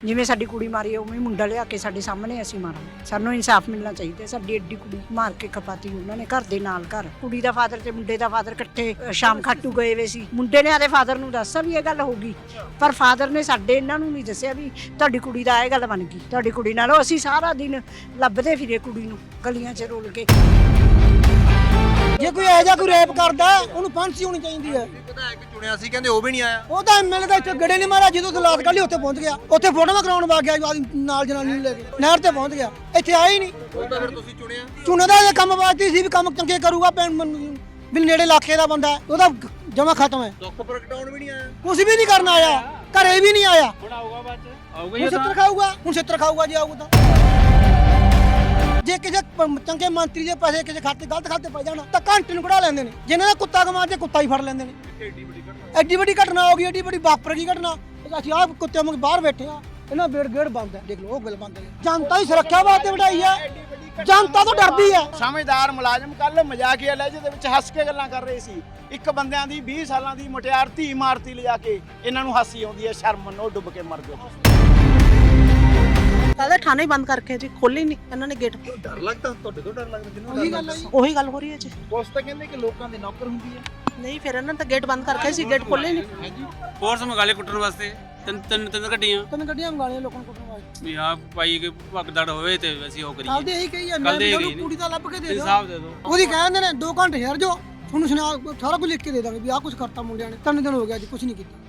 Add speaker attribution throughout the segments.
Speaker 1: ਜਿਵੇਂ ਸਾਡੀ ਕੁੜੀ ਮਾਰੀ ਹੈ ਉਵੇਂ ਮੁੰਡਾ ਲਿਆ ਕੇ ਸਾਡੇ ਸਾਹਮਣੇ ਅਸੀਂ ਮਾਰਾਂਗੇ। ਸਾਨੂੰ ਇਨਸਾਫ ਮਿਲਣਾ ਚਾਹੀਦਾ। ਸਾਡੀ ਐਡੀ ਕੁੜੀ ਮਾਰ ਕੇ ਖਪਾਤੀ ਉਹਨਾਂ ਨੇ ਘਰ ਦੇ ਨਾਲ ਘਰ। ਕੁੜੀ ਦਾ ਫਾਦਰ ਤੇ ਮੁੰਡੇ ਦਾ ਫਾਦਰ ਇਕੱਠੇ ਸ਼ਾਮ ਖਾਟੂ ਗਏ ਵੇ ਸੀ। ਮੁੰਡੇ ਨੇ ਆਦੇ ਫਾਦਰ ਨੂੰ ਦੱਸਿਆ ਵੀ ਇਹ ਗੱਲ ਹੋ ਗਈ, ਪਰ ਫਾਦਰ ਨੇ ਸਾਡੇ ਇਹਨਾਂ ਨੂੰ ਨਹੀਂ ਦੱਸਿਆ ਵੀ ਤੁਹਾਡੀ ਕੁੜੀ ਦਾ ਇਹ ਗੱਲ ਬਣ ਗਈ। ਤੁਹਾਡੀ ਕੁੜੀ ਨਾਲੋਂ ਅਸੀਂ ਸਾਰਾ ਦਿਨ ਲੱਭਦੇ ਫਿਰੇ ਕੁੜੀ ਨੂੰ ਗਲੀਆਂ 'ਚ ਰੋਲ ਕੇ।
Speaker 2: ਜੇ ਕੋਈ ਇਹੋ ਜਿਹਾ ਕੋਈ ਰੇਪ ਕਰਦਾ ਉਹਨੂੰ ਫਾਂਸੀ ਹੋਣੀ ਚਾਹੀਦੀ ਹੈ।
Speaker 3: ਵਿਧਾਇਕ ਚੁਣਿਆ ਸੀ ਕਹਿੰਦੇ ਉਹ ਵੀ ਨਹੀਂ ਆਇਆ।
Speaker 2: ਉਹ ਤਾਂ ਐਮਐਲਏ ਦਾ ਇੱਥੇ ਗੜੇ ਨਹੀਂ ਮਾਰਿਆ, ਜਦੋਂ ਦਲਾਤ ਕੱਢੀ ਉੱਥੇ ਪਹੁੰਚ ਗਿਆ, ਉੱਥੇ ਫੋਟੋਆਂ ਕਰਾਉਣ ਵਾ ਗਿਆ ਨਾਲ ਜਨਾਨੀ ਨੂੰ ਲੈ ਕੇ ਨਹਿਰ ਤੇ ਪਹੁੰਚ ਗਿਆ, ਇੱਥੇ ਆਇਆ ਹੀ ਨਹੀਂ।
Speaker 3: ਉਹ ਤਾਂ ਫਿਰ ਤੁਸੀਂ ਚੁਣਿਆ।
Speaker 2: ਚੁਣਦਾ ਇਹ ਕੰਮ ਵਾਸਤੇ ਸੀ ਵੀ ਕੰਮ ਚੰਗੇ ਕਰੂਗਾ, ਵੀ ਨੇੜੇ ਇਲਾਕੇ ਦਾ ਬੰਦਾ ਉਹਦਾ ਜਮਾ ਖਤਮ ਹੈ।
Speaker 3: ਦੁੱਖ ਪ੍ਰਗਟਾਉਣ ਵੀ ਨਹੀਂ ਆਇਆ,
Speaker 2: ਕੁਝ ਵੀ ਨਹੀਂ ਕਰਨ ਆਇਆ, ਘਰੇ ਵੀ ਨਹੀਂ ਆਇਆ।
Speaker 4: ਹੁਣ ਆਊਗਾ ਬਾਅਦ ਚ ਆਊਗਾ
Speaker 2: ਹੁਣ ਛਿੱਤਰ ਖਾਊਗਾ, ਹੁਣ ਛਿੱਤਰ ਖਾਊਗਾ ਜੇ ਆਊਗਾ ਤਾਂ। ਜੇ ਕਿਸੇ ਚੰਗੇ ਮੰਤਰੀ ਦੇ ਪੈਸੇ ਕਿਸੇ ਖਾਤੇ ਗਲਤ ਖਾਤੇ ਪੈ ਜਾਣ ਤਾਂ ਘੰਟੇ ਨੂੰ ਕਢਾ ਲੈਂਦੇ ਨੇ। ਜਿਨ੍ਹਾਂ ਦਾ ਕੁੱਤਾ ਕਮਾਉਂਦੇ ਕੁੱਤਾ ਹੀ ਫੜ ਲੈਂਦੇ ਨੇ। ਐਡੀ ਵੱਡੀ ਘਟਨਾ ਹੋ ਗਈ, ਐਡੀ ਵੱਡੀ ਵਾਪਰ ਗਈ ਘਟਨਾ। ਅਸੀਂ ਆਪ ਕੁੱਤੇ ਵਾਂਗ ਬਾਹਰ ਬੈਠੇ ਆ, ਇਹਨਾਂ ਬੇੜ ਗੇੜ ਬੰਦ ਹੈ। ਦੇਖ ਲਓ ਉਹ ਗੱਲ ਬੰਦ ਹੈ। ਜਨਤਾ ਦੀ ਸੁਰੱਖਿਆ ਵਾਸਤੇ ਵਧਾਈ ਹੈ, ਜਨਤਾ ਤੋਂ ਡਰਦੀ ਹੈ।
Speaker 4: ਸਮਝਦਾਰ ਮੁਲਾਜ਼ਮ ਕੱਲ ਮਜ਼ਾਕੀਆ ਲਹਿਜੇ ਦੇ ਵਿੱਚ ਹੱਸ ਕੇ ਗੱਲਾਂ ਕਰ ਰਹੇ ਸੀ। ਇੱਕ ਬੰਦਿਆਂ ਦੀ 20 ਸਾਲਾਂ ਦੀ ਮੁਟਿਆਰ ਧੀ ਮਾਰਤੀ ਲਿਜਾ ਕੇ ਇਹਨਾਂ ਨੂੰ ਹਾਸੀ ਆਉਂਦੀ ਹੈ। ਸ਼ਰਮ ਮੰਨੋ, ਡੁੱਬ ਕੇ ਮਰ ਜਾਓ।
Speaker 5: ਕਹਿੰਦੇ ਥਾਣੇ ਬੰਦ ਕਰਕੇ ਜੀ, ਖੋਲੇ ਨਹੀਂ ਇਹਨਾਂ ਨੇ ਗੇਟ।
Speaker 3: ਡਰ ਲੱਗਦਾ ਤੁਹਾਡੇ ਤੋਂ? ਡਰ ਲੱਗਦਾ ਕਿਹਨੂੰ?
Speaker 2: ਉਹੀ ਗੱਲ ਹੈ ਜੀ।
Speaker 5: ਉਹੀ ਗੱਲ ਹੋ ਰਹੀ ਹੈ ਜੀ।
Speaker 3: ਪੁਲਿਸ ਤਾਂ ਕਹਿੰਦੇ ਕਿ ਲੋਕਾਂ ਦੀ ਨੌਕਰ ਹੁੰਦੀ ਹੈ।
Speaker 5: ਨਹੀਂ ਫਿਰ ਇਹਨਾਂ ਨੇ ਤਾਂ ਗੇਟ ਬੰਦ ਕਰਕੇ ਸੀ, ਗੇਟ ਖੋਲੇ ਨਹੀਂ।
Speaker 6: ਫੋਰਸ ਮੰਗਾਲੇ ਕੁੱਟਣ ਵਾਸਤੇ ਤਿੰਨ ਗੱਡੀਆਂ
Speaker 2: ਗੱਡੀਆਂ ਮੰਗਾਲੀਆਂ ਲੋਕਾਂ ਨੂੰ ਕੁੱਟਣ ਵਾਸਤੇ
Speaker 6: ਵੀ ਹਾਂ ਭਾਈ ਕਿ ਭਗਦੜ ਹੋਵੇ ਤੇ ਅਸੀਂ ਉਹ ਕਰੀਏ।
Speaker 2: ਆਪਦੇ ਇਹੀ ਕਹੀ ਹੈ, ਮੈਂ ਵੀ ਉਹਨੂੰ ਕੁੜੀ ਦਾ ਲੱਭ ਕੇ ਦੇ ਦਿਓ।
Speaker 6: ਇਨਸਾਫ ਦੇ ਦਿਓ।
Speaker 2: ਉਹਦੀ ਕਹਿੰਦੇ ਨੇ 2 ਘੰਟੇ ਠਹਿਰ ਜਾਓ, ਤੁਹਾਨੂੰ ਸੁਣਾ ਸਾਰਾ ਕੁਝ ਲਿਖ ਕੇ ਦੇ ਦਾਂਗੇ ਵੀ ਆਹ ਕੁਝ ਕਰਤਾ ਮੁੰਡਿਆਂ ਨੇ। 3 ਦਿਨ ਹੋ ਗਿਆ ਜੀ, ਕੁਝ ਨਹੀਂ ਕੀਤਾ।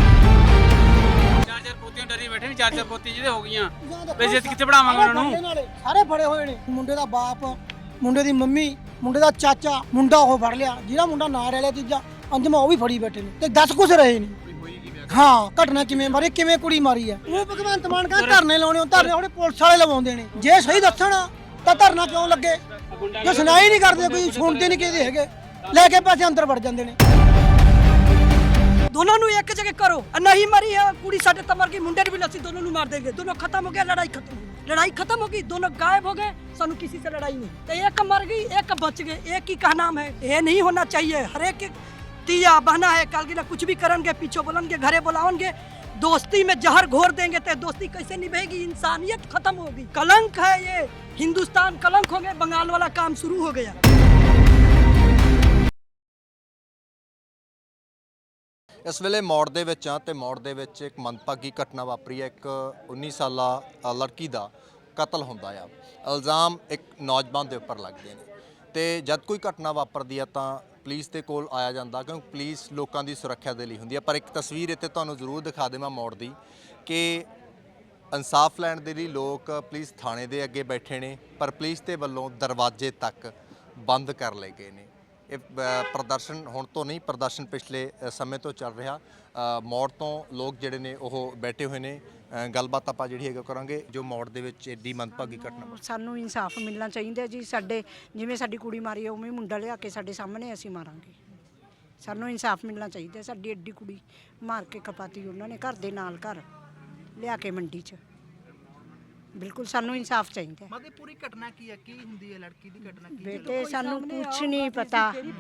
Speaker 6: ਚਾਰ ਪੋਤੀਆਂ ਡਰੀ ਬੈਠੇ ਨੇ, ਚਾਰ ਪੋਤੀਆਂ ਜਿਹਦੇ ਹੋ ਗਈਆਂ ਵੈਸੇ ਕਿੱਥੇ ਪੜਾਵਾਂਗੇ ਉਹਨਾਂ ਨੂੰ?
Speaker 2: ਸਾਰੇ ਫੜੇ ਹੋਏ ਨੇ। ਮੁੰਡੇ ਦਾ ਬਾਪ, ਮੁੰਡੇ ਦੀ ਮੰਮੀ, ਮੁੰਡੇ ਦਾ ਚਾਚਾ, ਮੁੰਡਾ ਉਹ ਫੜ ਲਿਆ ਜਿਹੜਾ ਮੁੰਡਾ ਨਾਲ ਰਹਿ ਲਿਆ ਤੀਜਾ ਅੰਜਮਾ, ਉਹ ਵੀ ਫੜੀ ਬੈਠੇ ਨੇ ਤੇ 10 ਕੁਛ ਰਹੇ ਨਹੀਂ। ਹਾਂ, ਘਟਨਾ ਕਿਵੇਂ ਮਾਰੀ, ਕਿਵੇਂ ਕੁੜੀ ਮਾਰੀ ਹੈ। ਉਹ ਭਗਵੰਤ ਮਾਨ ਕਹਿੰਦਾ ਧਰਨੇ ਲਾਉਣੇ, ਉਹ ਧਰਨੇ ਉਹਨੇ ਪੁਲਿਸ ਵਾਲੇ ਲਵਾਉਂਦੇ ਨੇ। ਜੇ ਸਹੀ ਦੱਸਣ ਤਾਂ ਧਰਨਾ ਕਿਉਂ ਲੱਗੇ? ਜੇ ਸੁਣਾਈ ਨਹੀਂ ਕਰਦੇ, ਕੋਈ ਸੁਣਦੇ ਨਹੀਂ ਕਿਹਦੇ ਹੈਗੇ, ਲੈ ਕੇ ਪੈਸੇ ਅੰਦਰ ਵੜ ਜਾਂਦੇ ਨੇ।
Speaker 7: दोनों एक जगह करो, नहीं मरी है कुड़ी साढ़े तमर की मुंडे भी लसी, दोनों मार देंगे। दोनों खत्म हो गया, लड़ाई खत्म हो गई। लड़ाई खत्म होगी, दोनों गायब हो गए, सानू किसी से लड़ाई नहीं। तो एक मर गई, एक बच गए। एक ही का नाम है, ये नहीं होना चाहिए। हर एक तिया बहना है, कल की कुछ भी करेंगे, पीछे बोलेंगे, घरे बुलाओगे, दोस्ती में जहर घोर देंगे तो दोस्ती कैसे निभेगी? इंसानियत खत्म होगी। कलंक है ये, हिंदुस्तान कलंक हो गया। बंगाल वाला काम शुरू हो गया।
Speaker 3: ਇਸ ਵੇਲੇ ਮੌੜ ਦੇ ਵਿੱਚ ਆ ਤੇ ਮੌੜ ਦੇ ਵਿੱਚ ਇੱਕ ਮੰਦਭਾਗੀ ਘਟਨਾ ਵਾਪਰੀ ਹੈ। ਇੱਕ 19 ਸਾਲਾ ਲੜਕੀ ਦਾ ਕਤਲ ਹੁੰਦਾ ਆ। ਇਲਜ਼ਾਮ ਇੱਕ ਨੌਜਵਾਨ ਦੇ ਉੱਪਰ ਲੱਗਦੇ ਨੇ ਤੇ ਜਦ ਕੋਈ ਘਟਨਾ ਵਾਪਰਦੀ ਆ ਤਾਂ ਪੁਲਿਸ ਦੇ ਕੋਲ ਆਇਆ ਜਾਂਦਾ, ਕਿਉਂਕਿ ਪੁਲਿਸ ਲੋਕਾਂ ਦੀ ਸੁਰੱਖਿਆ ਦੇ ਲਈ ਹੁੰਦੀ ਆ। ਪਰ ਇੱਕ ਤਸਵੀਰ ਇੱਥੇ ਤੁਹਾਨੂੰ ਜ਼ਰੂਰ ਦਿਖਾ ਦੇਵਾਂ ਮੌੜ ਦੀ ਕਿ ਇਨਸਾਫ ਲੈਣ ਦੇ ਲਈ ਲੋਕ ਪੁਲਿਸ ਥਾਣੇ ਦੇ ਅੱਗੇ ਬੈਠੇ ਨੇ, ਪਰ ਪੁਲਿਸ ਦੇ ਵੱਲੋਂ ਦਰਵਾਜ਼ੇ ਤੱਕ ਬੰਦ ਕਰ ਲਏ ਗਏ ਨੇ। ਇਹ ਪ੍ਰਦਰਸ਼ਨ ਹੁਣ ਤੋਂ ਨਹੀਂ, ਪ੍ਰਦਰਸ਼ਨ ਪਿਛਲੇ ਸਮੇਂ ਤੋਂ ਚੱਲ ਰਿਹਾ। ਮੌੜ ਤੋਂ ਲੋਕ ਜਿਹੜੇ ਨੇ ਉਹ ਬੈਠੇ ਹੋਏ ਨੇ। ਗੱਲਬਾਤ ਆਪਾਂ ਜਿਹੜੀ ਹੈਗਾ ਕਰਾਂਗੇ ਜੋ ਮੌੜ ਦੇ ਵਿੱਚ ਐਡੀ ਮੰਦਭਾਗੀ ਘਟਨਾ।
Speaker 1: ਸਾਨੂੰ ਇਨਸਾਫ ਮਿਲਣਾ ਚਾਹੀਦਾ ਜੀ। ਸਾਡੇ ਜਿਵੇਂ ਸਾਡੀ ਕੁੜੀ ਮਾਰੀ ਹੈ ਉਵੇਂ ਮੁੰਡਾ ਲਿਆ ਕੇ ਸਾਡੇ ਸਾਹਮਣੇ ਅਸੀਂ ਮਾਰਾਂਗੇ। ਸਾਨੂੰ ਇਨਸਾਫ ਮਿਲਣਾ ਚਾਹੀਦਾ। ਸਾਡੀ ਐਡੀ ਕੁੜੀ ਮਾਰ ਕੇ ਖਪਾਤੀ ਉਹਨਾਂ ਨੇ ਘਰ ਦੇ ਨਾਲ ਘਰ ਲਿਆ ਕੇ ਮੰਡੀ 'ਚ। ਬਿਲਕੁਲ ਸਾਨੂੰ ਇਨਸਾਫ ਚਾਹੀਦਾ।
Speaker 8: ਮਤਲਬ ਪੂਰੀ ਘਟਨਾ ਕੀ ਹੈ, ਕੀ ਹੁੰਦੀ ਹੈ ਲੜਕੀ ਦੀ ਘਟਨਾ ਕੀ?
Speaker 1: ਬੇਟੇ ਸਾਨੂੰ ਕੁਛ ਨਹੀਂ ਪਤਾ।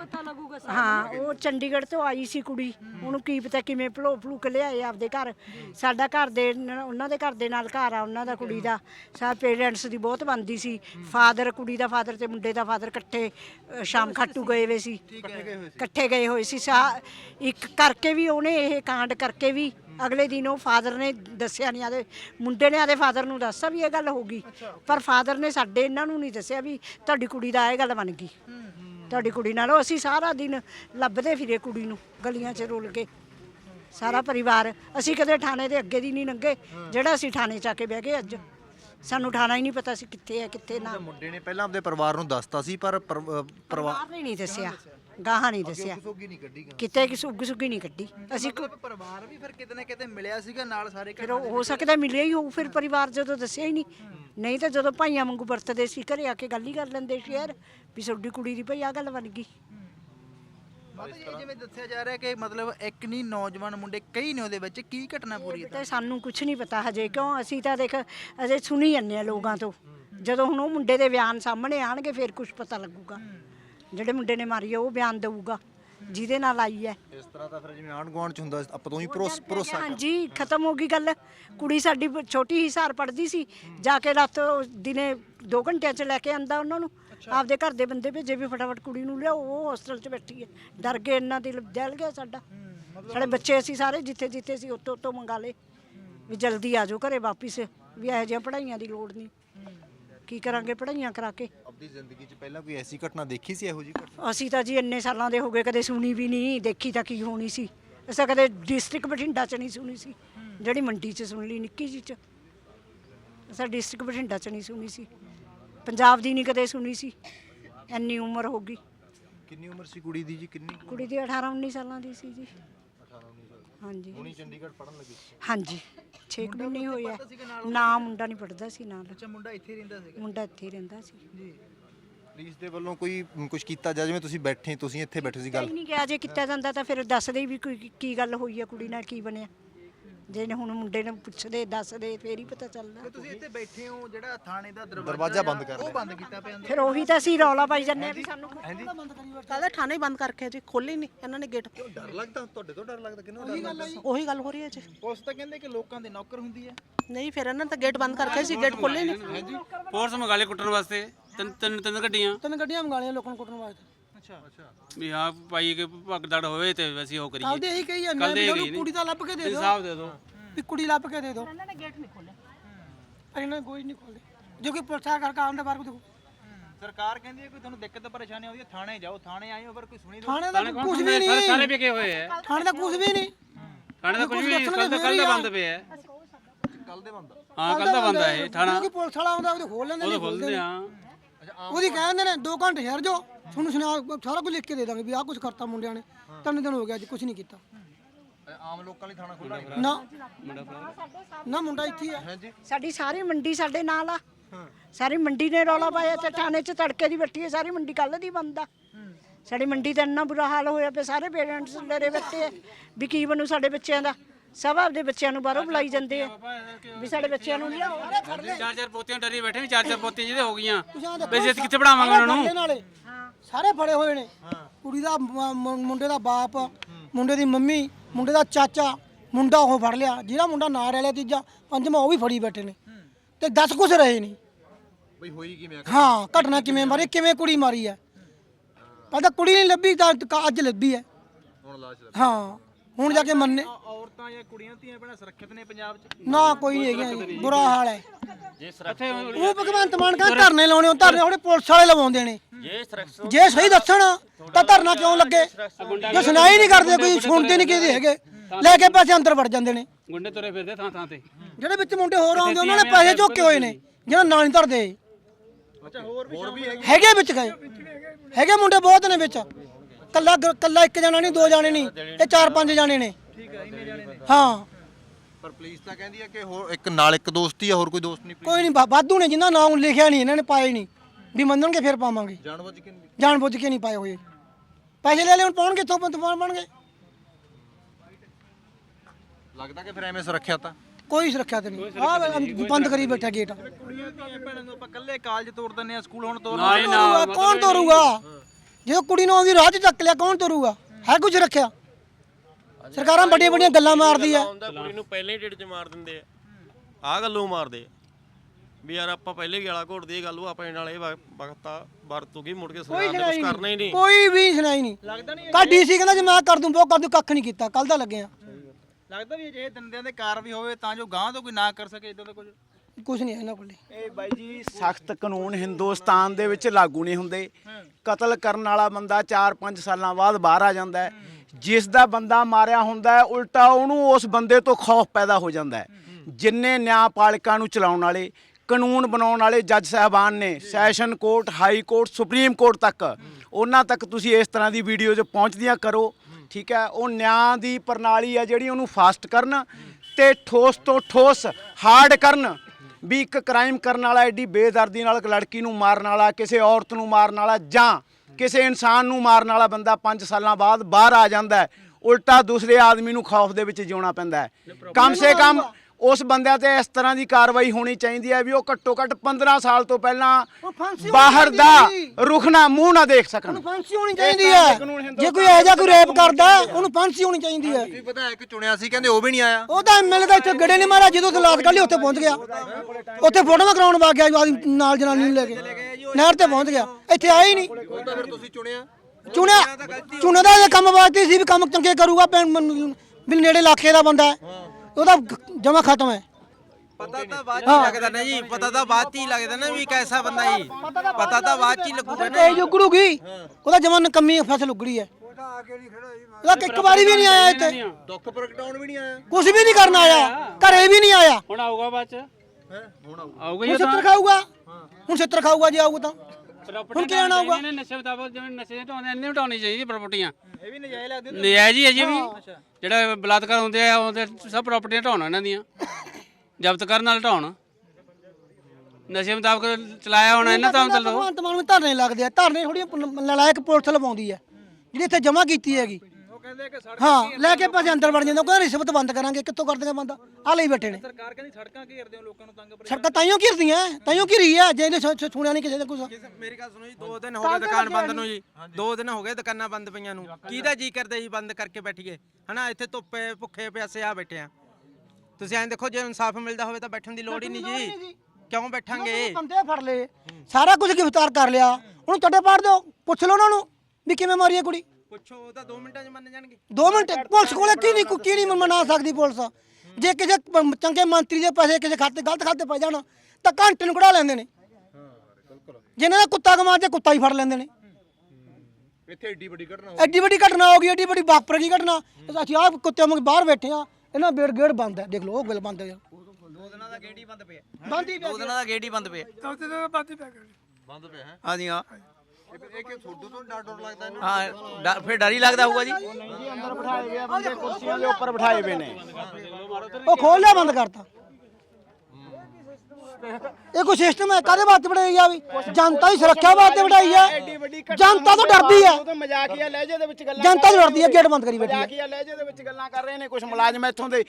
Speaker 1: ਹਾਂ, ਉਹ ਚੰਡੀਗੜ੍ਹ ਤੋਂ ਆਈ ਸੀ ਕੁੜੀ, ਉਹਨੂੰ ਕੀ ਪਤਾ ਕਿਵੇਂ ਭਲੂ ਕੇ ਲਿਆਏ ਆਪਦੇ ਘਰ। ਸਾਡਾ ਘਰ ਦੇ ਉਹਨਾਂ ਦੇ ਘਰ ਦੇ ਨਾਲ ਘਰ ਆ ਉਹਨਾਂ ਦਾ ਕੁੜੀ ਦਾ। ਸਾਰੇ ਪੇਰੈਂਟਸ ਦੀ ਬਹੁਤ ਬਣਦੀ ਸੀ। ਫਾਦਰ, ਕੁੜੀ ਦਾ ਫਾਦਰ ਤੇ ਮੁੰਡੇ ਦਾ ਫਾਦਰ ਇਕੱਠੇ ਸ਼ਾਮ ਖਾਟੂ ਗਏ ਵੇ ਸੀ, ਇਕੱਠੇ ਗਏ ਹੋਏ ਸੀ। ਇੱਕ ਕਰਕੇ ਵੀ ਉਹਨੇ ਇਹ ਕਾਂਡ ਕਰਕੇ ਵੀ ਅਗਲੇ ਦਿਨ ਉਹ ਫਾਦਰ ਨੇ ਦੱਸਿਆ ਨਹੀਂ, ਆਦੇ ਮੁੰਡੇ ਨੇ ਆਦੇ ਫਾਦਰ ਨੂੰ ਦੱਸਿਆ ਵੀ ਇਹ ਗੱਲ ਹੋ ਗਈ, ਪਰ ਫਾਦਰ ਨੇ ਸਾਡੇ ਇਹਨਾਂ ਨੂੰ ਨਹੀਂ ਦੱਸਿਆ ਵੀ ਤੁਹਾਡੀ ਕੁੜੀ ਦਾ ਇਹ ਗੱਲ ਬਣ ਗਈ। ਤੁਹਾਡੀ ਕੁੜੀ ਨਾਲੋਂ ਅਸੀਂ ਸਾਰਾ ਦਿਨ ਲੱਭਦੇ ਫਿਰੇ ਕੁੜੀ ਨੂੰ ਗਲੀਆਂ 'ਚ ਰੋਲ ਕੇ, ਸਾਰਾ ਪਰਿਵਾਰ। ਅਸੀਂ ਕਦੇ ਥਾਣੇ ਦੇ ਅੱਗੇ ਦੀ ਨਹੀਂ ਲੰਘੇ, ਜਿਹੜਾ ਅਸੀਂ ਥਾਣੇ 'ਚ ਆ ਕੇ ਬਹਿ ਗਏ। ਅੱਜ ਸਾਨੂੰ ਥਾਣਾ ਹੀ ਨਹੀਂ ਪਤਾ ਸੀ ਕਿੱਥੇ ਹੈ ਕਿੱਥੇ ਨਾ।
Speaker 3: ਮੁੰਡੇ ਨੇ ਪਹਿਲਾਂ ਆਪਣੇ ਪਰਿਵਾਰ ਨੂੰ ਦੱਸਤਾ ਸੀ, ਪਰ
Speaker 1: ਪਰਿਵਾਰ ਨੇ ਨਹੀਂ ਦੱਸਿਆ, ਗਾਹਾਂ ਨਹੀਂ ਦੱਸਿਆ, ਕਿਤੇ ਕਿ ਸੁੱਗੀ ਨਹੀਂ ਕੱਢੀ। ਅਸੀਂ
Speaker 8: ਪਰਿਵਾਰ ਵੀ ਫਿਰ ਕਿਤੇ ਨਾ ਕਿਤੇ ਮਿਲਿਆ ਸੀਗਾ ਨਾਲ ਸਾਰੇ।
Speaker 1: ਫਿਰ ਹੋ ਸਕਦਾ ਮਿਲਿਆ ਹੀ ਹੋਊ ਫਿਰ ਪਰਿਵਾਰ, ਜਦੋਂ ਦੱਸਿਆ ਹੀ ਨਹੀਂ ਤਾਂ ਜਦੋਂ ਭਾਈਆਂ ਵਾਂਗੂ ਵਰਤਦੇ ਸੀ ਘਰੇ ਆ ਕੇ ਗੱਲ ਹੀ ਕਰ ਲੈਂਦੇ ਸੀ ਯਾਰ ਵੀ ਤੁਹਾਡੀ ਕੁੜੀ ਦੀ ਭਾਈ ਆਹ ਗੱਲ ਬਣ ਗਈ।
Speaker 8: ਮਤਲਬ ਜਿਵੇਂ ਦੱਸਿਆ ਜਾ ਰਿਹਾ ਕਿ ਮਤਲਬ ਇੱਕ ਨਹੀਂ, ਨੌਜਵਾਨ ਮੁੰਡੇ ਕਈ ਨੇ ਉਹਦੇ ਵਿੱਚ। ਕੀ ਘਟਨਾ ਪੂਰੀ
Speaker 1: ਤੇ ਸਾਨੂੰ ਕੁਝ ਨਹੀਂ ਪਤਾ ਹਜੇ, ਕਿਉਂ ਅਸੀਂ ਤਾਂ ਦੇਖ ਅਜੇ ਸੁਣੀ ਜਾਂਦੇ ਆ ਲੋਕਾਂ ਤੋਂ। ਜਦੋਂ ਹੁਣ ਉਹ ਮੁੰਡੇ ਦੇ ਬਿਆਨ ਸਾਹਮਣੇ ਆਣਗੇ ਫਿਰ ਕੁਝ ਪਤਾ ਲੱਗੂਗਾ। ਜਿਹੜੇ ਮੁੰਡੇ ਨੇ ਮਾਰੀ ਆ ਉਹ ਬਿਆਨ ਦੇਊਗਾ, ਜਿਹਦੇ ਨਾਲ ਆਈ ਹੈ।
Speaker 3: ਇਸ ਤਰ੍ਹਾਂ ਤਾਂ ਫਿਰ ਜਿਵੇਂ ਆਂਢ ਗੁਆਂਢ ਚ ਹੁੰਦਾ ਆਪਾਂ ਤੋਂ ਹੀ ਭਰੋਸਾ
Speaker 1: ਹਾਂਜੀ ਖਤਮ ਹੋ ਗਈ ਗੱਲ। ਕੁੜੀ ਸਾਡੀ ਛੋਟੀ ਹੀ ਹਿਸਾਰ ਪੜਦੀ ਸੀ, ਜਾ ਕੇ ਰਾਤ ਦਿਨੇ 2 ਘੰਟਿਆਂ ਚ ਲੈ ਕੇ ਆਂਦਾ ਉਹਨਾਂ ਨੂੰ। ਆਪਦੇ ਘਰ ਦੇ ਬੰਦੇ ਭੇਜੇ ਵੀ ਫਟਾਫਟ ਕੁੜੀ ਨੂੰ ਲਿਆਓ, ਉਹ ਹੋਸਟਲ 'ਚ ਬੈਠੀ ਹੈ। ਡਰ ਗਏ, ਇੰਨਾ ਦਿਲ ਜਲ ਗਿਆ ਸਾਡਾ। ਸਾਡੇ ਬੱਚੇ ਅਸੀਂ ਸਾਰੇ ਜਿੱਥੇ ਸੀ ਉੱਤੋਂ ਮੰਗਾ ਲਏ ਵੀ ਜਲਦੀ ਆ ਜਾਓ ਘਰੇ ਵਾਪਿਸ, ਵੀ ਇਹੋ ਜਿਹੀਆਂ ਪੜ੍ਹਾਈਆਂ ਦੀ ਲੋੜ ਨਹੀਂ। ਕੀ ਕਰਾਂਗੇ ਪੜ੍ਹਾਈਆਂ ਕਰਾ ਕੇ।
Speaker 3: ਆਪਣੀ ਜ਼ਿੰਦਗੀ 'ਚ ਪਹਿਲਾਂ ਕੋਈ ਐਸੀ ਘਟਨਾ ਦੇਖੀ ਸੀ ਇਹੋ ਜਿਹੀ ਘਟਨਾ?
Speaker 1: ਅਸੀਂ ਤਾਂ ਜੀ ਇੰਨੇ ਸਾਲਾਂ ਦੇ ਹੋ ਗਏ ਕਦੇ ਸੁਣੀ ਵੀ ਨਹੀਂ, ਦੇਖੀ ਤਾਂ ਕੀ ਹੋਣੀ ਸੀ। ਅਸੀਂ ਕਦੇ ਡਿਸਟ੍ਰਿਕਟ ਬਠਿੰਡਾ 'ਚ ਨਹੀਂ ਸੁਣੀ ਸੀ, ਜਿਹੜੀ ਮੰਡੀ 'ਚ ਸੁਣ ਲਈ ਨਿੱਕੀ ਜੀ 'ਚ। ਅਸਾਂ ਡਿਸਟ੍ਰਿਕਟ ਬਠਿੰਡਾ 'ਚ ਨਹੀਂ ਸੁਣੀ ਸੀ, ਪੰਜਾਬ ਦੀ ਨਹੀਂ ਕਦੇ ਸੁਣੀ ਸੀ। ਇੰਨੀ ਉਮਰ ਹੋ ਗਈ।
Speaker 3: ਕਿੰਨੀ ਉਮਰ ਸੀ ਕੁੜੀ ਦੀ ਜੀ? ਕਿੰਨੀ
Speaker 1: ਕੁੜੀ ਦੀ 18-19 ਸਾਲਾਂ ਦੀ ਸੀ ਜੀ।
Speaker 3: 18-19 ਸਾਲ
Speaker 1: ਹਾਂਜੀ
Speaker 3: ਹੁਣੀ ਚੰਡੀਗੜ੍ਹ ਪੜਨ ਲੱਗੀ?
Speaker 1: ਹਾਂਜੀ 6 ਮਹੀਨੇ ਹੋਏ ਆ। ਨਾ ਮੁੰਡਾ ਨਹੀਂ ਪੜਦਾ ਸੀ ਨਾਲ।
Speaker 8: ਅੱਛਾ ਮੁੰਡਾ ਇੱਥੇ ਰਹਿੰਦਾ ਸੀਗਾ
Speaker 1: ਮੁੰਡਾ ਇੱਥੇ ਹੀ ਰਹਿੰਦਾ ਸੀ
Speaker 8: ਜੀ।
Speaker 3: ਪੁਲਿਸ ਦੇ ਵੱਲੋਂ ਕੋਈ ਕੁਝ ਕੀਤਾ ਜਾ, ਜਿਵੇਂ ਤੁਸੀਂ ਇੱਥੇ ਬੈਠੇ ਸੀ ਗੱਲ?
Speaker 1: ਕਈ ਨਹੀਂ ਕਿਹਾ, ਜੇ ਕੀਤਾ ਜਾਂਦਾ ਤਾਂ ਫਿਰ ਦੱਸਦੇ ਵੀ ਕੋਈ ਕੀ ਗੱਲ ਹੋਈ ਹੈ, ਕੁੜੀ ਨਾਲ ਕੀ ਬਣਿਆ। ਜੇ ਹੁਣ ਮੁੰਡੇ ਨੂੰ ਪੁੱਛਦੇ ਦੱਸਦੇ ਫੇਰ ਹੀ ਪਤਾ ਚੱਲਦਾ।
Speaker 8: ਤੁਸੀਂ ਇੱਥੇ ਬੈਠੇ ਹੋ, ਜਿਹੜਾ ਥਾਣੇ ਦਾ
Speaker 3: ਦਰਵਾਜ਼ਾ ਬੰਦ ਕਰ
Speaker 8: ਉਹ ਬੰਦ ਕੀਤਾ ਪਿਆ ਅੰਦਰ।
Speaker 1: ਫਿਰ ਉਹੀ ਤਾਂ ਅਸੀਂ ਰੌਲਾ ਪਾਈ ਜਾਂਦੇ ਆ ਵੀ ਸਾਨੂੰ
Speaker 5: ਕੱਲ ਦਾ ਥਾਣਾ ਹੀ ਬੰਦ ਕਰਕੇ ਜੀ, ਖੋਲੇ ਨਹੀਂ ਇਹਨਾਂ ਨੇ ਗੇਟ।
Speaker 3: ਡਰ ਲੱਗਦਾ ਤੁਹਾਡੇ ਤੋਂ? ਡਰ ਲੱਗਦਾ ਕਿਹਨੂੰ ਡਰ ਲੱਗਦਾ?
Speaker 5: ਉਹੀ ਗੱਲ ਹੋ ਰਹੀ ਹੈ ਜੀ।
Speaker 8: ਪੁਲਿਸ ਤਾਂ ਕਹਿੰਦੇ ਕਿ ਲੋਕਾਂ ਦੇ ਨੌਕਰ ਹੁੰਦੀ ਹੈ।
Speaker 5: ਨਹੀਂ ਫਿਰ ਇਹਨਾਂ ਨੇ ਤਾਂ ਗੇਟ ਬੰਦ ਕਰਕੇ ਸੀ, ਗੇਟ ਖੋਲੇ ਨਹੀਂ।
Speaker 6: ਫੋਰਸ ਮੰਗਾ ਲਈ ਕੁੱਟਣ ਵਾਸਤੇ, ਤਿੰਨ ਗੱਡੀਆਂ।
Speaker 2: 3 ਗੱਡੀਆਂ ਮੰਗਾ ਲਈਆਂ ਲੋਕਾਂ ਨੂੰ ਕੁੱਟਣ ਵਾਸਤੇ।
Speaker 8: ਅੱਛਾ
Speaker 6: ਵੀ ਹਾਂ ਪਾਈ ਕੇ ਭਗਦੜ ਹੋਵੇ ਤੇ ਅਸੀਂ ਉਹ
Speaker 2: ਕੱਲ
Speaker 6: ਕਰੀਏ।
Speaker 2: ਦੇ ਇਹੀ ਕਹੀ ਜਾਂਦੇ ਆ
Speaker 6: ਕੱਲ੍ਹ ਦੇ
Speaker 2: ਵੀ
Speaker 6: ਇਹੀ
Speaker 2: ਉਹਨੂੰ ਕੁੜੀ ਦਾ ਲੱਭ ਕੇ ਦੇ ਦਿਓ,
Speaker 6: ਇਨਸਾਫ ਦੇ ਦਿਓ।
Speaker 2: ਵੀ ਕੁੜੀ ਲੱਭ ਕੇ ਦੇ ਦਿਓ।
Speaker 5: ਇਹਨਾਂ ਨੇ ਗੇਟ ਨਹੀਂ ਖੋਲੇ।
Speaker 2: ਪਰ ਇਹਨਾਂ ਨੇ ਕੋਈ ਨਹੀਂ ਖੋਲਦੇ। ਜੋ ਕਿ ਪੁਲਿਸ ਕਰਕੇ ਆਉਣ ਦੇ ਬਾਰੇ ਦੇਖੋ,
Speaker 8: ਸਰਕਾਰ ਕਹਿੰਦੀ ਹੈ ਕੋਈ ਤੁਹਾਨੂੰ ਦਿੱਕਤ ਪਰੇਸ਼ਾਨੀ ਆਉਂਦੀ ਹੈ ਥਾਣੇ ਜਾਓ। ਥਾਣੇ ਆਏ ਹੋ ਪਰ ਕੋਈ ਸੁਣੀ
Speaker 2: ਥਾਣੇ ਦਾ ਕੁਝ ਵੀ
Speaker 6: ਸਾਰੇ
Speaker 2: ਨਹੀਂ।
Speaker 6: ਵਿਕੇ ਹੋਏ ਆ।
Speaker 2: ਥਾਣੇ ਦਾ ਕੁਝ ਵੀ ਨਹੀਂ।
Speaker 6: ਥਾਣੇ ਦਾ ਕੁਝ ਵੀ ਕੱਲ ਦਾ ਬੰਦ ਪਿਆ ਹੈ।
Speaker 3: ਕੱਲ ਦੇ ਬੰਦ?
Speaker 6: ਹਾਂ ਕੱਲ ਦਾ ਬੰਦ ਹੈ ਇਹ ਥਾਣਾ।
Speaker 2: ਕਿਉਂਕਿ ਪੁਲਿਸ ਵਾਲਾ ਆਉਂਦਾ ਉਹਦੇ ਖੋਲ ਲੈਂਦੇ
Speaker 6: ਉਹ
Speaker 2: ਨੇ।
Speaker 6: ਖੋਲਦੇ ਆ।
Speaker 2: ਉਹਦੀ ਕਹਿੰਦੇ ਨੇ 2 ਘੰਟੇ ਠਹਿਰ ਜਾਓ, ਤੁਹਾਨੂੰ ਸਾਰਾ ਕੁਝ ਲਿਖ ਕੇ ਦੇ ਦਾਂਗੇ ਵੀ ਆਹ ਕੁਝ ਕਰਤਾ ਮੁੰਡਿਆਂ ਨੇ। 3 ਦਿਨ ਹੋ ਗਿਆ ਅੱਜ ਕੁਝ ਨਹੀਂ ਕੀਤਾ।
Speaker 3: ਆਮ ਲੋਕਾਂ ਲਈ ਥਾਣਾ ਖੁੱਲ੍ਹਾ ਨਹੀਂ?
Speaker 2: ਨਾ ਮੁੰਡਾ ਇੱਥੇ ਹੀ ਹੈ।
Speaker 1: ਸਾਡੀ ਸਾਰੀ ਮੰਡੀ ਸਾਡੇ ਨਾਲ ਆ। ਸਾਰੀ ਮੰਡੀ ਨੇ ਰੌਲਾ ਪਾਇਆ ਤੇ ਥਾਣੇ 'ਚ ਤੜਕੇ ਦੀ ਬੈਠੀ ਹੈ ਸਾਰੀ ਮੰਡੀ, ਕੱਲ ਦੀ ਬੰਦ ਆ। ਸਾਡੀ ਮੰਡੀ ਦਾ ਇੰਨਾ ਬੁਰਾ ਹਾਲ ਹੋਇਆ ਪਿਆ, ਸਾਰੇ ਪੇਰੈਂਟਸ ਡਰੇ ਬੈਠੇ ਆ ਵੀ ਕੀ ਬਣੂ ਸਾਡੇ ਬੱਚਿਆਂ ਦਾ। ਸਭ ਆਪਦੇ ਬੱਚਿਆਂ ਨੂੰ ਬਾਹਰੋਂ ਬੁਲਾਈ ਜਾਂਦੇ ਆ ਵੀ ਸਾਡੇ ਬੱਚਿਆਂ ਨੂੰ ਲਿਆਓ।
Speaker 6: 4 ਪੋਤੀਆਂ ਡਰੀ ਬੈਠੇ ਵੀ 4 ਪੋਤੀਆਂ ਜਿਹਦੇ ਹੋ ਗਈਆਂ ਵੀ ਅਸੀਂ ਕਿੱਥੇ ਪੜਾਵਾਂਗੇ ਉਹਨਾਂ ਨੂੰ?
Speaker 2: ਨਾਲੇ ਸਾਰੇ ਫੜੇ ਹੋਏ ਨੇ। ਕੁੜੀ ਦਾ ਮੁੰਡੇ ਦਾ ਬਾਪ, ਮੁੰਡੇ ਦੀ ਮੰਮੀ, ਮੁੰਡੇ ਦਾ ਚਾਚਾ, ਮੁੰਡਾ ਉਹ ਫੜ ਲਿਆ। ਜਿਹੜਾ ਮੁੰਡਾ ਨਾਲ ਰਲਿਆ ਤੀਜਾ 5ਵਾਂ ਉਹ ਵੀ ਫੜੀ ਬੈਠੇ ਨੇ ਤੇ 10 ਕੁਛ ਰਹੇ ਨਹੀਂ।
Speaker 3: ਬਈ ਹੋਈ ਕਿਵੇਂ?
Speaker 2: ਹਾਂ ਘਟਨਾ ਕਿਵੇਂ ਮਾਰੀ, ਕਿਵੇਂ ਕੁੜੀ ਮਾਰੀ ਹੈ। ਪਹਿਲਾਂ ਕੁੜੀ ਨਹੀਂ ਲੱਭੀ ਤਾਂ ਅੱਜ ਲੱਭੀ ਹੈ।
Speaker 3: ਹੁਣ ਲਾਸ਼ ਲੱਗੀ।
Speaker 2: ਹਾਂ ਹੁਣ ਜਾ ਕੇ ਮੰਨੇ।
Speaker 8: ਔਰਤਾਂ ਜਾਂ ਕੁੜੀਆਂ ਧੀਆਂ ਭੈਣਾਂ ਸੁਰੱਖਿਅਤ ਨੇ ਪੰਜਾਬ 'ਚ?
Speaker 2: ਨਾ ਕੋਈ ਨਹੀਂ ਹੈਗਾ ਜੀ, ਬੁਰਾ ਹਾਲ ਹੈ।
Speaker 6: ਇੱਥੇ
Speaker 2: ਉਹ ਭਗਵੰਤ ਮਾਨ ਕਹਿੰਦਾ ਧਰਨੇ ਲਾਉਣੇ, ਉਹ ਧਰਨੇ ਉਹਨੇ ਪੁਲਿਸ ਵਾਲੇ ਲਵਾਉਂਦੇ ਨੇ। ਜੇ ਸਹੀ ਦੱਸਣ ਤਾਂ ਧਰਨਾ ਕਿਉਂ ਲੱਗੇ? ਜੇ ਸੁਣਾਈ ਨਹੀਂ ਕਰਦੇ, ਕੋਈ ਸੁਣਦੇ ਨਹੀਂ ਕਿਸੇ ਹੈਗੇ, ਲੈ ਕੇ ਪੈਸੇ ਅੰਦਰ ਵੜ ਜਾਂਦੇ ਨੇ।
Speaker 6: ਗੁੰਡੇ ਤੁਰੇ ਫਿਰਦੇ ਥਾਂ ਥਾਂ ਤੇ।
Speaker 2: ਜਿਹੜੇ ਵਿੱਚ ਮੁੰਡੇ ਹੋਰ ਆਉਂਦੇ ਉਹਨਾਂ ਨੇ ਪੈਸੇ ਝੋਕੇ ਹੋਏ ਨੇ, ਜਿਹਨਾਂ ਨਾਂ ਨਹੀਂ ਧਰਦੇ।
Speaker 8: ਅੱਛਾ ਹੋਰ ਵੀ
Speaker 2: ਹੈਗੇ ਵਿੱਚ ਗਏ, ਹੈਗੇ ਮੁੰਡੇ ਬਹੁਤ ਨੇ ਵਿੱਚ। ਕੱਲਾ ਇੱਕ ਜਣਾ ਨਹੀਂ, 2 ਜਾਣੇ ਨਹੀਂ, ਇਹ 4-5 ਜਾਣੇ ਨੇ।
Speaker 8: ਠੀਕ ਹੈ, ਇੰਨੇ ਜਾਣੇ ਨੇ।
Speaker 2: ਹਾਂ
Speaker 3: ਪਰ ਪੁਲਿਸ ਤਾਂ ਕਹਿੰਦੀ ਹੈ ਕਿ ਹੋਰ ਇੱਕ ਦੋਸਤ ਹੀ ਆ, ਹੋਰ ਕੋਈ ਦੋਸਤ ਨਹੀਂ?
Speaker 2: ਕੋਈ ਨਹੀਂ, ਵਾਧੂ ਨੇ ਜਿਨ੍ਹਾਂ ਨਾਮ ਲਿਖਿਆ ਨਹੀਂ, ਇਹਨਾਂ ਨੇ ਪਾਏ ਨਹੀਂ ਵੀ ਮੰਨਣਗੇ ਫਿਰ ਪਾਵਾਂਗੇ।
Speaker 3: ਜਾਣਬੁੱਝ ਕੇ ਨਹੀਂ?
Speaker 2: ਜਾਣ ਬੁੱਝ ਕੇ ਨਹੀਂ ਪਾਏ ਹੋਏ। ਪੈਸੇ ਲੈ ਲੈ ਹੁਣ ਪਾਉਣਗੇ, ਇੱਥੋਂ ਪਾਉਣਗੇ।
Speaker 3: ਲੱਗਦਾ ਕਿ ਫਿਰ ਐਵੇਂ ਸੁਰੱਖਿਆ ਤਾਂ
Speaker 2: ਕੋਈ ਸੁਰੱਖਿਆ ਤੇ ਨਹੀਂ। ਆਹ ਬੰਦ ਕਰੀ ਬੈਠਾ ਗੇਟ।
Speaker 8: ਕੁੜੀਆਂ ਧੀਆਂ ਭੈਣਾਂ ਨੂੰ ਆਪਾਂ ਇਕੱਲੇ ਕਾਲਜ ਤੋੜ ਦਿੰਦੇ ਆ, ਸਕੂਲ ਹੁਣ ਤੋੜ
Speaker 6: ਨਾ ਹੀ ਨਾ।
Speaker 2: ਕੌਣ ਤੋਰੂਗਾ? ਜਦੋਂ ਕੁੜੀ ਨੂੰ ਆਉਂਦੀ ਰਾਹ 'ਚ ਚੱਕ ਲਿਆ, ਕੌਣ ਤੋਰੂਗਾ? ਹੈ ਕੁਝ ਰੱਖਿਆ? ਸਰਕਾਰਾਂ ਵੱਡੀਆਂ ਵੱਡੀਆਂ ਗੱਲਾਂ ਮਾਰਦੀ ਆ।
Speaker 9: ਕੁੜੀ ਨੂੰ ਪਹਿਲਾਂ ਹੀ ਢਿੱਡ 'ਚ ਮਾਰ ਦਿੰਦੇ ਆ ਗੱਲੋਂ ਮਾਰਦੇ ਆ ਵੀ ਯਾਰ ਆਪਾਂ ਪਹਿਲੇ ਵੀ ਗਾਲਾਂ ਘੋਟਦੇ ਇਹ ਗੱਲ ਉਹ ਆਪਣੇ ਨਾਲ ਇਹ ਵਕਤਾ ਵਰਤੂਗੀ, ਮੁੜ ਕੇ ਸਰਕਾਰ ਨੇ ਕੁਝ ਕਰਨਾ ਹੀ ਨਹੀਂ।
Speaker 2: ਕੋਈ ਵੀ ਸੁਣਾਈ ਨਹੀਂ।
Speaker 8: ਲੱਗਦਾ ਨਹੀਂ
Speaker 2: ਕਾ ਡੀਸੀ ਕਹਿੰਦਾ ਜੇ ਮੈਂ ਕਰ ਦੂੰ ਬਹੁਤ ਕਰ ਦੂੰ, ਕੱਖ ਨਹੀਂ ਕੀਤਾ। ਕੱਲ ਦਾ ਲੱਗਿਆ।
Speaker 8: ਲੱਗਦਾ ਵੀ ਜੇ ਦੰਦਿਆਂ ਦੇ ਕਾਰਵਾਈ ਹੋਵੇ ਤਾਂ ਜੋ ਗਾਂ ਤੋਂ ਕੋਈ ਨਾ ਕਰ ਸਕੇ ਇਦਾਂ ਦਾ ਕੁਝ
Speaker 2: ਨਹੀਂ ਇਹਨਾਂ ਕੋਲੇ।
Speaker 4: ਇਹ ਬਾਈ ਜੀ ਸਖਤ ਕਾਨੂੰਨ ਹਿੰਦੁਸਤਾਨ ਦੇ ਵਿੱਚ ਲਾਗੂ ਨਹੀਂ ਹੁੰਦੇ। ਕਤਲ ਕਰਨ ਵਾਲਾ ਬੰਦਾ 4-5 ਸਾਲਾਂ ਬਾਅਦ ਬਾਹਰ ਆ ਜਾਂਦਾ ਹੈ। ਜਿਸ ਦਾ ਬੰਦਾ ਮਾਰਿਆ ਹੁੰਦਾ ਹੈ, ਉਲਟਾ ਉਹਨੂੰ ਉਸ ਬੰਦੇ ਤੋਂ ਖੌਫ ਪੈਦਾ ਹੋ ਜਾਂਦਾ ਹੈ। ਜਿੰਨੇ ਨਿਆਂਪਾਲਿਕਾਂ ਨੂੰ ਚਲਾਉਣ ਵਾਲੇ, ਕਾਨੂੰਨ ਬਣਾਉਣ ਵਾਲੇ ਜੱਜ ਸਾਹਿਬਾਨ ਨੇ, session court, high court, supreme court ਤੱਕ, ਉਹਨਾਂ ਤੱਕ ਤੁਸੀਂ ਇਸ ਤਰ੍ਹਾਂ ਦੀ ਵੀਡੀਓ 'ਚ ਪਹੁੰਚਦੀਆਂ ਕਰੋ। ਠੀਕ ਹੈ, ਉਹ ਨਿਆਂ ਦੀ ਪ੍ਰਣਾਲੀ ਆ ਜਿਹੜੀ ਉਹਨੂੰ ਫਾਸਟ ਕਰਨ ਤੇ ਠੋਸ ਤੋਂ ਠੋਸ ਹਾਰਡ ਕਰਨ। ਵੀ ਇੱਕ ਕ੍ਰਾਈਮ ਕਰਨ ਵਾਲਾ ਐਡੀ ਬੇਦਰਦੀ ਨਾਲ ਲੜਕੀ ਨੂੰ ਮਾਰਨ ਵਾਲਾ, ਕਿਸੇ ਔਰਤ ਨੂੰ ਮਾਰਨ ਵਾਲਾ ਜਾਂ ਕਿਸੇ ਇਨਸਾਨ ਨੂੰ ਮਾਰਨ ਵਾਲਾ ਬੰਦਾ 5 ਸਾਲਾਂ ਬਾਅਦ ਬਾਹਰ ਆ ਜਾਂਦਾ ਹੈ, ਉਲਟਾ ਦੂਸਰੇ ਆਦਮੀ ਨੂੰ ਖੌਫ ਦੇ ਵਿੱਚ ਜਿਉਣਾ ਪੈਂਦਾ ਹੈ। ਕਮ ਸੇ ਕਮ ਉਸ ਬੰਦਿਆਂ ਤੇ ਇਸ ਤਰ੍ਹਾਂ ਦੀ ਕਾਰਵਾਈ ਹੋਣੀ ਚਾਹੀਦੀ ਹੈ ਵੀ ਉਹ ਘੱਟੋ ਘੱਟ 15 ਸਾਲ ਤੋਂ ਪਹਿਲਾਂ ਬਾਹਰ ਦਾ ਰੁਖ ਨਾ ਮੂੰਹ ਨਾ ਦੇਖ ਸਕਣ।
Speaker 2: ਉਹਨੂੰ ਫਾਂਸੀ ਹੋਣੀ ਚਾਹੀਦੀ ਹੈ। ਜੇ ਕੋਈ ਇਹੋ ਜਿਹਾ ਕੋਈ ਰੇਪ ਕਰਦਾ ਉਹਨੂੰ ਫਾਂਸੀ ਹੋਣੀ ਚਾਹੀਦੀ ਹੈ।
Speaker 3: ਤੁਸੀਂ ਵਿਧਾਇਕ ਚੁਣਿਆ ਸੀ, ਕਹਿੰਦੇ ਉਹ ਵੀ ਨਹੀਂ ਆਇਆ।
Speaker 2: ਉਹ ਤਾਂ ਐਮਐਲਏ ਦਾ ਇੱਥੇ ਗੜੇ ਨਹੀਂ ਮਾਰਿਆ, ਜਦੋਂ ਤਲਾਕ ਕੱਢ ਲਈ ਉੱਥੇ ਪਹੁੰਚ ਗਿਆ, ਉੱਥੇ ਫੋਟੋਆਂ ਕਰਾਉਣ ਵਗ ਗਿਆ ਨਾਲ ਜਨਾਨੀ ਨੂੰ ਲੈ ਕੇ ਨਹਿਰ ਤੇ ਪਹੁੰਚ ਗਿਆ, ਇੱਥੇ ਆਇਆ ਹੀ ਨਹੀਂ।
Speaker 3: ਉਹ ਤਾਂ ਫਿਰ ਤੁਸੀਂ ਚੁਣਿਆ
Speaker 2: ਦਾ ਇਹ ਕੰਮ ਵਾਸਤੇ ਸੀ ਵੀ ਕੰਮ ਚੰਗੇ ਕਰੂਗਾ, ਵੀ ਨੇੜੇ ਇਲਾਕੇ ਦਾ ਬੰਦਾ ਹੈ, ਉਹਦਾ ਜਮਾ ਖਤਮ ਹੈ।
Speaker 10: ਪਤਾ ਤਾਂ ਬਾਅਦ ਚ ਲੱਗਦਾ ਨਾ ਜੀ, ਪਤਾ ਤਾਂ ਬਾਅਦ ਚ ਹੀ ਲੱਗਦਾ ਨਾ ਵੀ ਕੈਸਾ ਬੰਦਾ ਜੀ, ਪਤਾ ਤਾਂ ਬਾਅਦ ਚ ਹੀ ਲੱਗੂਗਾ ਨਾ।
Speaker 2: ਤੇਜ ਉਗੜੂਗੀ, ਉਹਦਾ ਜਮਾ ਨਕੰਮੀ ਫਸਲ ਉਗੜੀ ਹੈ। ਉਹਦਾ ਇੱਕ ਵਾਰੀ ਵੀ ਨਹੀਂ ਆਇਆ ਇੱਥੇ,
Speaker 3: ਦੁੱਖ ਪ੍ਰਗਟਾਉਣ ਵੀ ਨਹੀਂ ਆਇਆ,
Speaker 2: ਕੁਝ ਵੀ ਨਹੀਂ ਕਰਨ ਆਇਆ, ਘਰੇ ਵੀ ਨਹੀਂ ਆਇਆ।
Speaker 6: ਹੁਣ ਆਊਗਾ ਬਾਅਦ ਚ, ਆਊਗਾ
Speaker 2: ਹੁਣ ਛਿੱਤਰ ਖਾਊਗਾ, ਹੁਣ ਛਿੱਤਰ ਖਾਊਗਾ ਜੇ ਆਊਗਾ ਤਾਂ। ਹੁਣ ਕੀ ਲੈਣਾ ਆਊਗਾ?
Speaker 6: ਨਸ਼ੇ ਮੁਤਾਬਕ ਜਿਵੇਂ ਨਸ਼ੇ ਦੇ ਢਾਉਂਦੇ ਇੰਨੇ ਢਾਉਣੀ ਚਾਹੀਦੀ ਪ੍ਰਾਪਰਟੀਆਂ। ਇਹ ਵੀ ਨਜਾਇਜ਼ ਲੱਗਦੇ ਨੇ, ਨਜਾਇਜ਼ ਹੀ ਅਜੇ ਵੀ। ਜਿਹੜਾ ਬਲਾਤਕਾਰ ਹੁੰਦੇ ਆ ਉਹਦੇ ਸਭ ਪ੍ਰਾਪਰਟੀਆਂ ਢਾਉਣ ਇਹਨਾਂ ਦੀਆਂ, ਜ਼ਬਤ ਕਰਨ ਨਾਲ ਢਾਉਣ। ਨਸ਼ੇ ਮੁਤਾਬਕ ਚਲਾਇਆ ਹੋਣਾ ਇਹਨਾਂ ਤਾਂ ਮਤਲਬ
Speaker 2: ਭਗਵੰਤ ਮਾਨ ਨੂੰ ਧਰਨੇ ਲੱਗਦੇ ਆ, ਧਰਨੇ ਥੋੜੀ ਨਲਾਇਕ ਪੁਲਿਸ ਲਵਾਉਂਦੀ ਹੈ ਜਿਹੜੀ ਇੱਥੇ ਜਮ੍ਹਾਂ ਕੀਤੀ ਹੈਗੀ। ਹਾਂ, ਲੈ ਕੇ ਪੈਸੇ ਅੰਦਰ ਵੜ ਜਾਂਦੇ, ਉਹ ਕਹਿੰਦੇ ਰਿਸ਼ਵਤ ਬੰਦ ਕਰਾਂਗੇ, ਕਿੱਥੋਂ ਕਰ ਦੇਗਾ ਬੰਦ? ਆ ਲਈ ਬੈਠੇ ਨੇ।
Speaker 8: ਸਰਕਾਰ ਕਹਿੰਦੀ ਸੜਕਾਂ ਘੇਰਦੇ ਹੋ, ਲੋਕਾਂ ਨੂੰ ਤੰਗ
Speaker 2: ਸੜਕਾਂ ਤਾਈਓ ਘਿਰਦੀਆਂ, ਤਾਈਓ ਘਿਰੀ ਆ, ਜੇ ਸੁਣਿਆ ਨਹੀਂ ਕਿਸੇ ਦਾ ਕੁਝ।
Speaker 10: ਮੇਰੀ ਗੱਲ ਸੁਣੋ ਜੀ, 2 ਦਿਨ ਹੋ ਗਏ ਦੁਕਾਨ ਬੰਦ ਨੂੰ ਜੀ, 2 ਦਿਨ ਹੋ ਗਏ ਦੁਕਾਨਾਂ ਬੰਦ ਪਈਆਂ ਨੂੰ। ਕਿਹਦਾ ਜੀ ਕਰਦਾ ਜੀ ਬੰਦ ਕਰਕੇ ਬੈਠੀਏ ਹਨਾ? ਇੱਥੇ ਧੁੱਪੇ ਭੁੱਖੇ ਪਿਆਸੇ ਆ ਬੈਠੇ ਆ। ਤੁਸੀਂ ਐਂ ਦੇਖੋ, ਜੇ ਇਨਸਾਫ ਮਿਲਦਾ ਹੋਵੇ ਤਾਂ ਬੈਠਣ ਦੀ ਲੋੜ ਹੀ ਨਹੀਂ ਜੀ, ਕਿਉਂ ਬੈਠਾਂਗੇ?
Speaker 2: ਬੰਦੇ ਫੜ ਲਏ, ਸਾਰਾ ਕੁਝ ਗ੍ਰਿਫਤਾਰ ਕਰ ਲਿਆ, ਉਹਨੂੰ ਚੱਡੇ ਪਾੜ ਦਿਓ, ਪੁੱਛ ਲਓ ਉਹਨਾਂ ਨੂੰ ਵੀ ਕਿਵੇਂ ਮਾਰੀ ਹੈ ਕੁੜੀ।
Speaker 10: ਪੁੱਛੋ, ਉਹ ਤਾਂ 2 ਮਿੰਟਾਂ 'ਚ ਮੰਨ ਜਾਣਗੇ।
Speaker 2: 2 ਮਿੰਟ ਪੁਲਿਸ ਕੋਲੇ ਕੀ ਨਹੀਂ ਮਨਾ ਸਕਦੀ ਪੁਲਿਸ। ਜੇ ਕਿਸੇ ਚੰਗੇ ਮੰਤਰੀ ਦੇ ਪੈਸੇ ਕਿਸੇ ਖਾਤੇ ਗਲਤ ਖਾਤੇ ਪੈ ਜਾਣ ਤਾਂ ਘੰਟੇ ਨੂੰ ਕਢਾ ਲੈਂਦੇ ਨੇ। ਜਿਹਨਾਂ ਦਾ ਕੁੱਤਾ ਕਮਾ ਤੇ ਕੁੱਤਾ ਹੀ ਫੜ ਲੈਂਦੇ ਨੇ।
Speaker 3: ਇੱਥੇ ਏਡੀ ਵੱਡੀ ਘਟਨਾ
Speaker 2: ਹੋ ਗਈ, ਏਡੀ ਵੱਡੀ ਵਾਪਰ ਗਈ ਘਟਨਾ। ਅਸੀਂ ਆਹ ਕੁੱਤੇ ਵਾਂਗ ਬਾਹਰ ਬੈਠੇ ਆ, ਇਹਨਾਂ ਬੇੜ ਗੇੜ ਬੰਦ ਹੈ, ਦੇਖ ਲਓ ਉਹ ਗੱਲ ਬੰਦ ਹੈ।
Speaker 10: 2 ਦਿਨਾਂ ਦਾ ਗੇਟ ਹੀ ਬੰਦ ਪਿਆ,
Speaker 2: ਬੰਦ ਹੀ
Speaker 10: 2 ਦਿਨਾਂ ਦਾ ਗੇਟ ਹੀ ਬੰਦ ਪਿਆ।
Speaker 3: ਬੰਦ ਪਿਆ ਹੈ।
Speaker 10: ਹਾਂਜੀ ਹਾਂ,
Speaker 3: ਇਹ ਕਿ ਤੁਹਾਡੇ ਤੋਂ ਡਰ ਲੱਗਦਾ ਇਹਨੂੰ?
Speaker 10: ਹਾਂ ਫਿਰ ਡਰ ਹੀ ਲੱਗਦਾ ਹੋਊਗਾ ਜੀ।
Speaker 4: ਅੰਦਰ ਬਿਠਾਏ ਗਏ ਬੰਦੇ, ਕੁਰਸੀਆਂ ਦੇ ਉੱਪਰ ਬਿਠਾਏ ਹੋਏ ਨੇ।
Speaker 2: ਉਹ ਖੋਲ ਲਿਆ, ਬੰਦ ਕਰਤਾ। ਇਹ ਕੋਈ ਸਿਸਟਮ ਹੈ? ਕਾਹਦੇ ਵਾਸਤੇ ਬਣਾਈ ਆ? ਵੀ ਜਨਤਾ ਦੀ ਸੁਰੱਖਿਆ ਵਾਸਤੇ ਬਣਾਈ ਆ। ਜਨਤਾ ਤੋਂ ਡਰਦੀ ਆ,
Speaker 4: ਉਹ ਮਜ਼ਾਕੀਆ ਲਹਿਜੇ ਦੇ ਵਿੱਚ ਗੱਲਾਂ,
Speaker 2: ਜਨਤਾ ਤੋਂ ਡਰਦੀ ਆ, ਗੇਟ ਬੰਦ ਕਰੀ ਬੈਠੀ ਆ।
Speaker 4: ਮਜ਼ਾਕੀਆ ਲਹਿਜੇ ਦੇ ਵਿੱਚ ਗੱਲਾਂ ਕਰ ਰਹੇ ਨੇ ਕੁਝ ਮੁਲਾਜ਼ਮ ਇੱਥੋਂ ਦੇ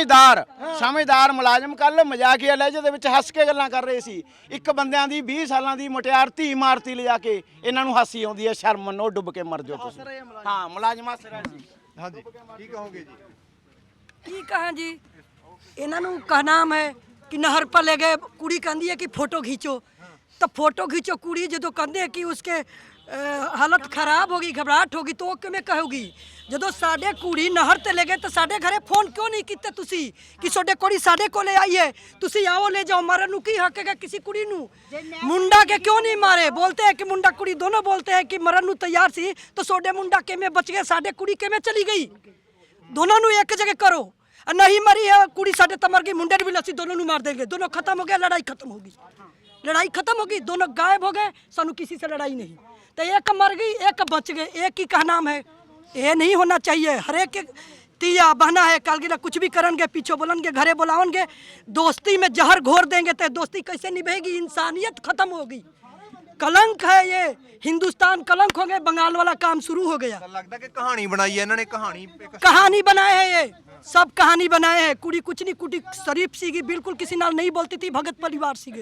Speaker 4: ਸਮਝਦਾਰ ਮੁਲਾਜ਼ਮ। ਕੱਲ ਮਜ਼ਾਕੀਆ ਲਹਿਜੇ ਦੇ ਵਿੱਚ ਹੱਸ ਕੇ ਗੱਲਾਂ ਕਰ ਰਹੇ ਸੀ। ਇੱਕ ਬੰਦਿਆਂ ਦੀ 20 ਸਾਲਾਂ ਦੀ ਮੁਟਿਆਰ ਧੀ ਮਾਰਤੀ ਲਿਜਾ ਕੇ, ਇਹਨਾਂ ਨੂੰ ਹਾਸੀ ਆਉਂਦੀ ਹੈ, ਸ਼ਰਮ ਮੰਨੋ, ਡੁੱਬ ਕੇ ਮਰ ਜਾਓ ਤੁਸੀਂ। ਹਾਂ, ਮੁਲਾਜ਼ਮ ਹੱਸ ਰਿਹਾ ਸੀ।
Speaker 3: ਹਾਂਜੀ, ਕੀ ਕਹੋਗੇ ਜੀ?
Speaker 7: ਕੀ ਕਹਾਂ ਜੀ, ਇਹਨਾਂ ਨੂੰ ਕਾ ਨਾਮ ਹੈ कि नहर पर ले गए, कुड़ी कहती है कि फोटो खींचो, तो फोटो खींचो। कुड़ी जो कहते हैं कि उसके हालत खराब होगी, घबराहट होगी, तो किमें कहोगी? जो साढ़े कुड़ी नहर ते ले गए तो साढ़े घरे फोन क्यों नहीं कीते तुसी कि सोडे कुड़ी साढ़े को ले आई है, तुसी आओ ले जाओ। मारन नू की हक है किसी कुड़ी नू? मुंडा के क्यों नहीं मारे? बोलते हैं कि मुंडा कुड़ी दोनों बोलते हैं कि मरन नू तैयार सी, तो सोडे मुंडा किमें बच गए, साढ़े कुड़ी किमें चली गई? दोनों नू एक जगह करो। नहीं मरी है कुड़ी साढ़े तमर की, मुंडे भी लसी, दोनों मार देंगे, दोनों खत्म हो गया, लड़ाई खत्म होगी, लड़ाई खत्म होगी, दोनों गायब हो गए, सानू किसी से लड़ाई नहीं। तो एक मर गई, एक बच गए, एक ही का नाम है। ये नहीं होना चाहिए। हर एक तिया बहना है, कालगिरा कुछ भी करेंगे, पीछे बोलेंगे, घरे बुलाओगे, दोस्ती में जहर घोर देंगे, तो दोस्ती कैसे निभेगी? इंसानियत खत्म होगी। कलंक है ये, हिंदुस्तान कलंक हो गए, बंगाल वाला काम शुरू हो गया।
Speaker 3: लगता कि कहानी बनाई है इन्होंने,
Speaker 7: कहानी बनाए हैं, ये सब कहानी बनाए हैं। कुड़ी कुछ नहीं, कुड़ी शरीफ सीगी, बिल्कुल किसी नाल नहीं बोलती थी, भगत परिवार सीगे।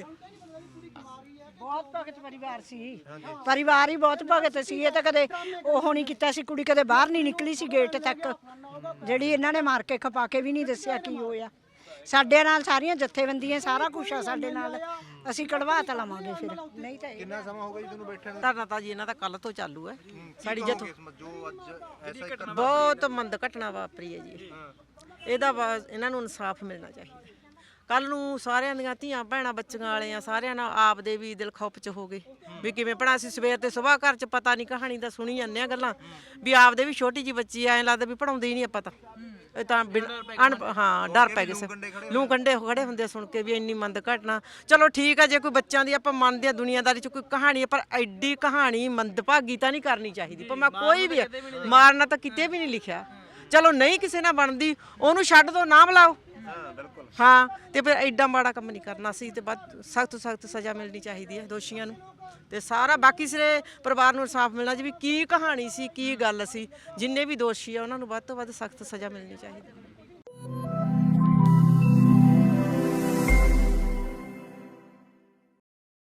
Speaker 1: ਬਹੁਤ ਭਗਤ ਪਰਿਵਾਰ ਸੀ, ਪਰਿਵਾਰ ਹੀ ਬਹੁਤ ਭਗਤ ਸੀ। ਇਹ ਤਾਂ ਕਦੇ ਉਹ ਨਹੀਂ ਕੀਤਾ ਸੀ, ਕੁੜੀ ਕਦੇ ਬਾਹਰ ਨਹੀਂ ਨਿਕਲੀ ਸੀ ਗੇਟ ਤੱਕ, ਜਿਹੜੀ ਇਹਨਾਂ ਨੇ ਮਾਰ ਕੇ ਖਪਾ ਕੇ ਵੀ ਨਹੀਂ ਦੱਸਿਆ ਕੀ ਹੋਇਆ। ਸਾਡੇ ਨਾਲ ਸਾਰੀਆਂ ਜਥੇਬੰਦੀਆਂ, ਸਾਰਾ ਕੁਝ ਆ ਸਾਡੇ ਨਾਲ, ਅਸੀਂ ਕਢਵਾ ਤਾਂ ਲਵਾਂਗੇ ਫਿਰ। ਨਹੀਂ ਤਾਂ
Speaker 3: ਕਿੰਨਾ ਸਮਾਂ ਹੋ ਗਿਆ ਜੀ ਤੁਹਾਨੂੰ ਬੈਠਣ ਨੂੰ?
Speaker 5: ਧਰਨਾ ਤਾਂ ਜੀ ਇਹਨਾਂ ਦਾ ਕੱਲ ਤੋਂ ਚਾਲੂ ਹੈ। ਸਾਡੀ
Speaker 3: ਜੋ ਅੱਜ ਐਸਾ
Speaker 5: ਬਹੁਤ ਮੰਦ ਘਟਨਾ ਵਾਪਰੀ ਹੈ ਜੀ। ਇਹਦਾ ਇਹਨਾਂ ਨੂੰ ਇਨਸਾਫ ਮਿਲਣਾ ਚਾਹੀਦਾ। ਕੱਲ ਨੂੰ ਸਾਰਿਆਂ ਦੀਆਂ ਧੀਆਂ ਭੈਣਾਂ ਬੱਚੀਆਂ ਵਾਲੇ ਆ, ਸਾਰਿਆਂ ਨਾਲ ਆਪਦੇ ਵੀ ਦਿਲ ਖੌਫ ਚ ਹੋ ਗਏ ਵੀ ਕਿਵੇਂ ਪੜਾ। ਅਸੀਂ ਸਵੇਰ ਤੇ ਸੁਬਾਹ ਘਰ ਚ ਪਤਾ ਨਹੀਂ ਕਹਾਣੀ ਦਾ ਸੁਣੀ ਜਾਂਦੇ ਆ ਗੱਲਾਂ, ਵੀ ਆਪਦੇ ਵੀ ਛੋਟੀ ਜੀ ਬੱਚੀ ਐਂ ਲੱਗਦਾ ਵੀ ਪੜਾਉਂਦੇ ਹੀ ਨਹੀਂ ਆਪਾਂ ਤਾਂ। ਇਹ ਤਾਂ ਹਾਂ, ਡਰ ਪੈ ਗਏ, ਲੂ ਕੰਡੇ ਖੜੇ ਹੁੰਦੇ ਸੁਣ ਕੇ ਵੀ ਇੰਨੀ ਮੰਦ ਘਟਨਾ। ਚਲੋ ਠੀਕ ਆ, ਜੇ ਕੋਈ ਬੱਚਿਆਂ ਦੀ ਆਪਾਂ ਮੰਨਦੇ ਆ, ਦੁਨੀਆਦਾਰੀ ਚ ਕੋਈ ਕਹਾਣੀ ਹੈ, ਪਰ ਐਡੀ ਕਹਾਣੀ ਮੰਦਭਾਗੀ ਤਾਂ ਨਹੀਂ ਕਰਨੀ ਚਾਹੀਦੀ। ਪਰ ਮੈਂ ਕੋਈ ਵੀ ਮਾਰਨਾ ਤਾਂ ਕਿਤੇ ਵੀ ਨਹੀਂ ਲਿਖਿਆ। ਚਲੋ ਨਹੀਂ ਕਿਸੇ ਨਾਲ ਬਣਦੀ, ਉਹਨੂੰ ਛੱਡ ਦੋ, ਨਾ ਬੁਲਾਓ। ਹਾਂ, ਤੇ ਫਿਰ ਐਡਾ ਮਾੜਾ ਕੰਮ ਨਹੀਂ ਕਰਨਾ ਸੀ, ਤੇ ਬਾਅਦ ਸਖਤ ਸਜ਼ਾ ਮਿਲਣੀ ਚਾਹੀਦੀ ਹੈ ਦੋਸ਼ੀਆਂ ਨੂੰ। ਤੇ ਸਾਰਾ ਬਾਕੀ ਸਾਰੇ ਪਰਿਵਾਰ ਨੂੰ ਇਨਸਾਫ ਮਿਲਣਾ ਜੀ, ਵੀ ਕੀ ਕਹਾਣੀ ਸੀ, ਕੀ ਗੱਲ ਸੀ। ਜਿੰਨੇ ਵੀ ਦੋਸ਼ੀ ਆ ਉਹਨਾਂ ਨੂੰ ਵੱਧ ਤੋਂ ਵੱਧ ਸਖਤ ਸਜ਼ਾ ਮਿਲਣੀ ਚਾਹੀਦੀ ਹੈ।